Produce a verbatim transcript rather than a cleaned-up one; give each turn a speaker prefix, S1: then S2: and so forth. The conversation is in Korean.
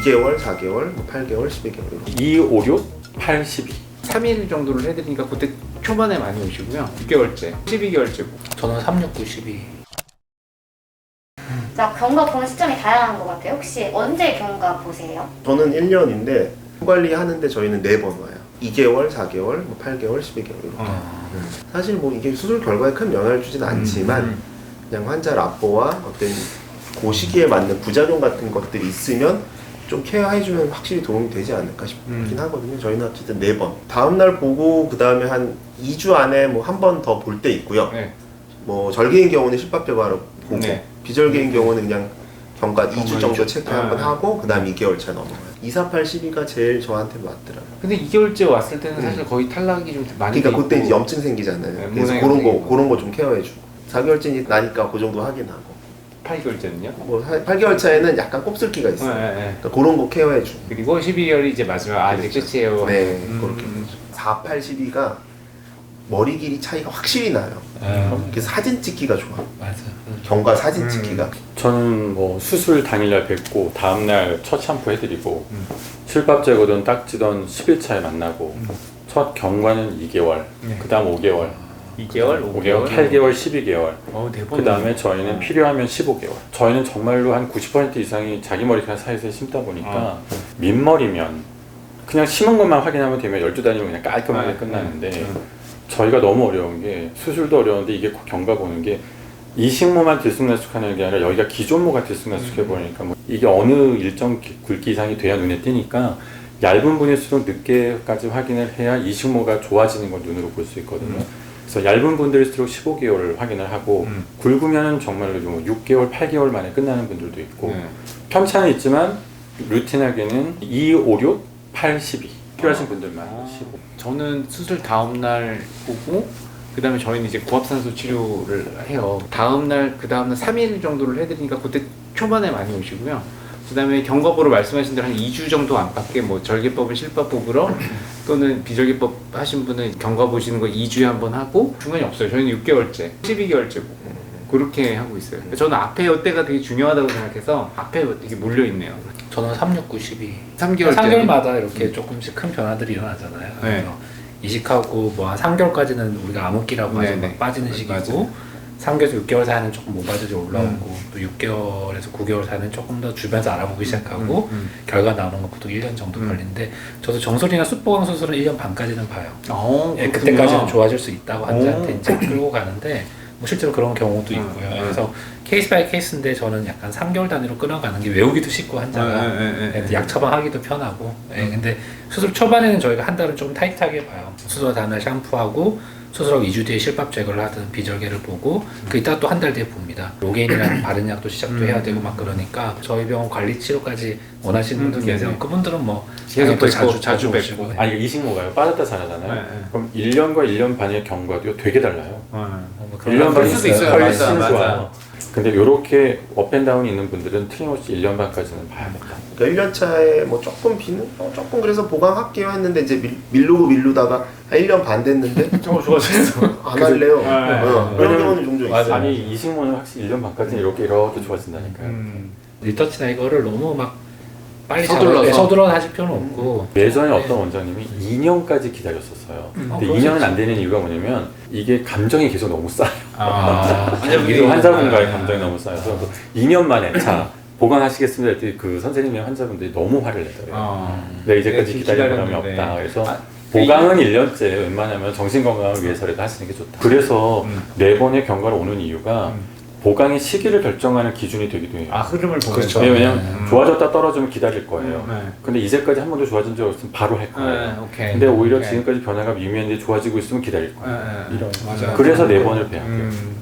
S1: 이 개월, 사 개월, 뭐 팔 개월, 십이 개월 이렇게.
S2: 이, 오, 육, 팔, 십이.
S3: 삼 일 정도를 해드리니까 그때 초반에 많이 오시고요. 육 개월째, 십이 개월째고.
S4: 저는 삼, 육, 구, 십이.
S5: 자, 경과 보는 시점이 다양한 것 같아요. 혹시 언제 경과 보세요?
S1: 저는 일 년인데 관리하는데 저희는 네 번 와요. 이 개월, 사 개월, 뭐 팔 개월, 십이 개월 이렇게.
S3: 어.
S1: 음. 사실 뭐 이게 수술 결과에 큰 영향을 주지는 않지만
S3: 음.
S1: 그냥 환자 납보와 어떤 그 시기에 맞는 부작용 같은 것들이 있으면 좀 케어해주면 확실히 도움이 되지 않을까 싶긴
S3: 음.
S1: 하거든요. 저희는 어쨌든 네 번. 다음날 보고 그 다음에 한 이 주 안에 뭐 한 번 더 볼 때 있고요.
S3: 네.
S1: 뭐 절개인 경우는 실밥제바로 보고
S3: 네.
S1: 비절개인 경우는 그냥 경과 이 주
S3: 경과
S1: 정도
S3: 이 주.
S1: 체크 한번
S3: 아.
S1: 하고 그 다음 이 개월차 넘어가요. 이, 사, 팔, 십이가 제일 저한테 맞더라고요.
S3: 근데 이 개월째 왔을 때는
S1: 음.
S3: 사실 거의 탈락이 좀 많이
S1: 그러니까
S3: 돼
S1: 그때
S3: 있고.
S1: 이제 염증 생기잖아요.
S3: 네,
S1: 그래서
S3: 모낭이
S1: 그런 거
S3: 생기고.
S1: 그런 거 좀 케어해주고 사 개월째 나니까 그 정도 확인하고
S3: 팔 개월째는요?
S1: 뭐 팔 개월 차에는 약간 곱슬기가
S3: 네,
S1: 있어요.
S3: 네, 네.
S1: 그러니까 그런 거 케어해주고.
S3: 그리고 십이 개월이 이제 마지막 아 이제
S1: 그렇죠.
S3: 끝이에요.
S1: 네,
S3: 음.
S1: 그렇게. 사, 팔, 십이가 머리 길이 차이가 확실히 나요.
S4: 음.
S1: 그래서 사진 찍기가 좋아.
S4: 맞아.
S1: 경과 사진
S3: 음.
S1: 찍기가.
S2: 저는 뭐 수술 당일날 뵙고 다음날 첫 샴푸 해드리고
S3: 음.
S2: 실밥 제거든 딱지던 십 일 차에 만나고
S3: 음.
S2: 첫 경과는 이 개월,
S3: 네.
S2: 그 다음 오 개월,
S3: 이 개월, 오
S2: 오 개월,
S3: 개월,
S2: 팔 개월, 십이 개월.
S3: 어, 대본.
S2: 그 다음에 저희는
S3: 어.
S2: 필요하면 십오 개월. 저희는 정말로 한 구십 퍼센트 이상이 자기 머리카락 사이사이 심다 보니까
S3: 어.
S2: 민머리면 그냥 심은 것만 확인하면 되면 열두 단위면 그냥 깔끔하게
S3: 네.
S2: 끝나는데
S3: 음.
S2: 저희가 너무 어려운 게 수술도 어려운데 이게 경과 보는 게 이 식모만 들쑥날쑥하는 게 아니라 여기가 기존모가 들쑥날쑥해 보이니까 뭐 이게 어느 일정 기- 굵기 이상이 돼야 눈에 띄니까 얇은 분일수록 늦게까지 확인을 해야 이 식모가 좋아지는 걸 눈으로 볼 수 있거든요.
S3: 음.
S2: 그래서 얇은 분들일수록 십오 개월을 확인을 하고
S3: 음.
S2: 굵으면 정말로 뭐 육 개월, 팔 개월 만에 끝나는 분들도 있고
S3: 네.
S2: 편차는 있지만 루틴하게는 이, 오, 육, 팔, 십이 필요하신 분들만
S3: 아.
S2: 십오.
S3: 저는 수술 다음 날 보고 그 다음에 저희는 이제 고압산소 치료를 해요. 다음 날, 그 다음 날 삼 일 정도를 해드리니까 그때 초반에 많이 오시고요. 그 다음에 경과보로 말씀하신 대로 한 이 주 정도 안팎에 뭐 절개법은 실밥 보러 또는 비절개법 하신 분은 경과 보시는 거 이 주에 한 번 하고 중간이 없어요. 저희는 육 개월째, 십이 개월째고 그렇게 하고 있어요. 저는 앞에 이때가 되게 중요하다고 생각해서 앞에 되게 몰려있네요.
S4: 저는 삼, 육, 구, 십이.
S3: 삼 개월째.
S4: 삼 개월마다 이렇게 조금씩 큰 변화들이 일어나잖아요.
S3: 네.
S4: 그래서 이식하고 뭐 한 삼 개월까지는 우리가 암흑기라고 하죠.
S3: 네네.
S4: 막 빠지는 시기고
S3: 맞아요.
S4: 삼 개월에서 육 개월 사이는 조금 모바지로 올라오고
S3: 음.
S4: 또 육 개월에서 구 개월 사이는 조금 더 주변에서 알아보기 시작하고
S3: 음, 음.
S4: 결과 나오는 거 보통 일 년 정도
S3: 음.
S4: 걸리는데 저도 정설이나 숫보강 수술은 일 년 반까지는 봐요.
S3: 어,
S4: 예,
S3: 그렇군요.
S4: 그때까지는 좋아질 수 있다고 환자한테
S3: 오.
S4: 이제 끌고 가는데 뭐 실제로 그런 경우도
S3: 음,
S4: 있고요.
S3: 음.
S4: 그래서 케이스 바이 케이스인데 저는 약간 삼 개월 단위로 끊어가는 게 외우기도 쉽고 환자가
S3: 네, 네, 네, 네.
S4: 예, 약 처방하기도 편하고 예, 근데 수술 초반에는 저희가 한 달은 좀 타이트하게 봐요. 수술 다음날 샴푸하고 수술하고 이 주 뒤에 실밥 제거를 하든 비절개를 보고 그 이따 또 한 달 뒤에 봅니다. 로게인이라는 바른 약도 시작도
S3: 음.
S4: 해야 되고 막 그러니까 저희 병원 관리 치료까지 원하시는 분들
S3: 음,
S4: 계세요.
S3: 네네.
S4: 그분들은 뭐
S3: 계속
S4: 또
S3: 뵙고, 자주
S4: 오시고.
S3: 뵙고.
S2: 아니 이 식모가요 빠졌다 자라잖아요.
S3: 네, 네.
S2: 그럼 일 년과 일 년 반의 경과도 되게 달라요.
S4: 어, 뭐 그런
S2: 일 년
S3: 그럴
S2: 반이
S3: 수도 있어요.
S2: 훨씬
S3: 맞아,
S2: 좋아요.
S3: 맞아.
S2: 근데 이렇게 업앤다운이 있는 분들은 틀림없이 일 년 반까지는 봐야 된다.
S1: 그러니까 일 년 차에 뭐 조금 비는 어, 조금 그래서 보강할게요 했는데 이제 밀, 밀르고 밀르다가 한 일 년 반 됐는데
S3: 좀 좋아졌어.
S1: 안 할래요.
S3: 아,
S1: 어,
S2: 아,
S1: 그런
S2: 왜냐면-
S1: 경우는 종종 있어요.
S2: 아니 이 식모는 확실히 일 년 반까지는 이렇게 이렇게 좋아진다니까요.
S3: 음.
S4: 리터치나 이거를 너무 막 빨리
S3: 서둘러서.
S4: 서둘러서 서둘러서 하실 필요는 없고
S2: 예전에
S4: 네.
S2: 어떤 원장님이 이 년까지 기다렸었어요.
S3: 음.
S2: 근데
S4: 어,
S2: 이 년은
S4: 그럴
S2: 안 되는 이유가 뭐냐면 이게 감정이 계속 너무 쌓여.
S3: 아,
S2: 이 환자분과의
S3: 아,
S2: 감정이 너무 쌓여서 이 년 만에 자 보강하시겠습니다 했더니 그 선생님의 환자분들이 너무 화를 내더래요.
S3: 아.
S2: 내가 이제까지
S3: 네,
S2: 기다린 보람이
S3: 기다렸는데.
S2: 없다. 그래서
S3: 아,
S2: 보강은 일 년째 웬만하면 정신건강을 위해서라도 하시는 게 좋다. 그래서
S3: 음.
S2: 네 번의 경과를 오는 이유가
S3: 음.
S2: 보강의 시기를 결정하는 기준이 되기도 해요.
S3: 아, 흐름을 보면서.
S4: 그렇죠.
S2: 네, 왜냐면
S3: 음.
S2: 좋아졌다 떨어지면 기다릴 거예요.
S3: 네.
S2: 근데 이제까지 한 번도 좋아진 적 없으면 바로 할 거예요.
S3: 네, 오케이.
S2: 근데 오히려
S3: 오케이.
S2: 지금까지 변화가 미미한데 좋아지고 있으면 기다릴 거예요.
S3: 네, 네.
S2: 이런.
S3: 맞아요.
S2: 그래서 네 번을 배합해요.
S3: 음.